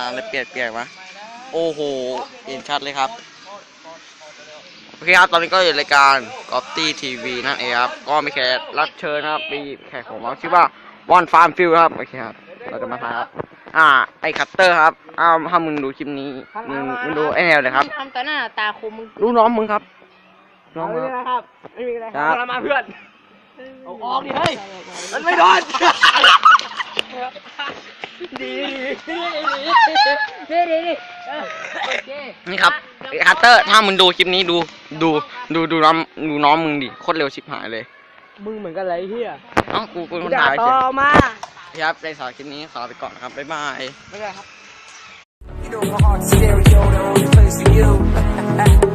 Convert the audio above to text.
อะไรเปลี่ยนมาโอ้โหเห็นชัดเลยครับโอเคครับตอนนี้ก็อยู่รายการกอล์ฟตี้ทีวีนั่นเองครับก็มีแขกรับเชิญนะครับมีแขกของเราชื่อว่าบอนฟาร์มฟิลครับโอเคครับเราจะมาถ่ายครับไอคัตเตอร์ครับถ้ามึงดูคลิปนี้มึงดูไอแนวเลยครับทำตาหน้าตาคมมึงรู้น้องมึงครับน้องไม่มึงมีอะไรครับไม่มีอะไรครับมาเพื่อนเอาออกดิเฮ้ยมันไม่โดนดีนี่ครับไอคัตเตอร์ถ้ามึงดูคลิปนี้ดูน้องมึงดิโคตรเร็วชิบหายเลยมึงเหมือนกันไรเฮียกูคนถ่ายต่อมาครับในสารคลิปนี้ขอลาไปก่อนครับบ๊ายบายไม่ได้ครับ You know my heart's stereo, the only place for you.